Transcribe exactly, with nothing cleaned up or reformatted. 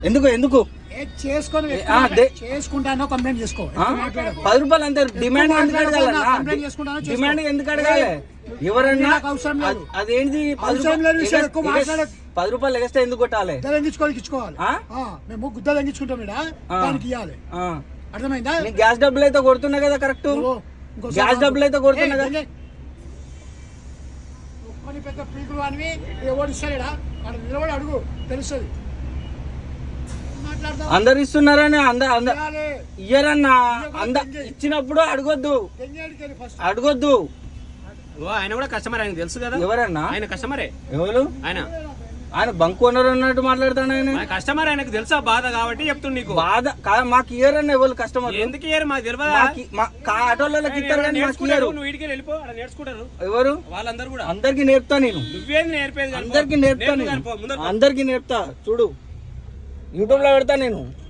ఎందుకు ఎందుకు చేసుకొని చేసుకుంటానో కంప్లైంట్ చేసుకో. పది రూపాయలు అంతే. డిమాండ్ ఎందుకు అడగాలి? డిమాండ్ ఎందుకు అడగాలి? ఎవరన్నా అదేంటి పది రూపాయలు ఎగస్తే ఎందుకు కొట్టాలి? తగ్గించుకోవాలి ఇచ్చుకోవాలి. మేము గుద్ద తగ్గించుకుంటాం దానికి ఇవ్వాలి. అర్థమైందా? గ్యాస్ డబ్బులు అయితే కొడుతున్నా కదా కరెక్ట్. గ్యాస్ డబ్బులు అయితే కొడుతున్నా కదా. పెద్ద పీకులు అని ఎవరు ఇస్తాడా అక్కడ నిలబడి అడుగు తెలుస్తుంది. అందరు ఇస్తున్నారని అందరు ఇయ్యరన్నా. అంద ఇచ్చినప్పుడు అడగొద్దు అడగొద్దు. ఆయన కూడా కస్టమర్, ఆయన తెలుసు కదా. ఎవరన్నా? ఆయన కస్టమరే. ఎవరు ఆయన? ఆయన బంక్ ఓనర్ అన్నట్టు మాట్లాడతాడు. ఆయన కస్టమర్, ఆయనకు తెలుసా బాధ కాబట్టి చెప్తుంది నీకు. బాధ మాకు ఇయర్ అన్న ఎవరు కస్టమర్ ఎందుకు ఇయర్ మాకు తెలియదు. ఆటోలకి ఇస్తారు కానీ నువ్వు వీడికి వెళ్ళిపో, నేర్చుకుంటారు ఎవరు వాళ్ళందరూ కూడా. అందరికి నేర్పుతా నేను. నువ్వేది నేర్పేది? అందరికి నేర్పుతా నేను. అందరికి నేర్పుతా. చూడు యూట్యూబ్ లో పెడతా నేను.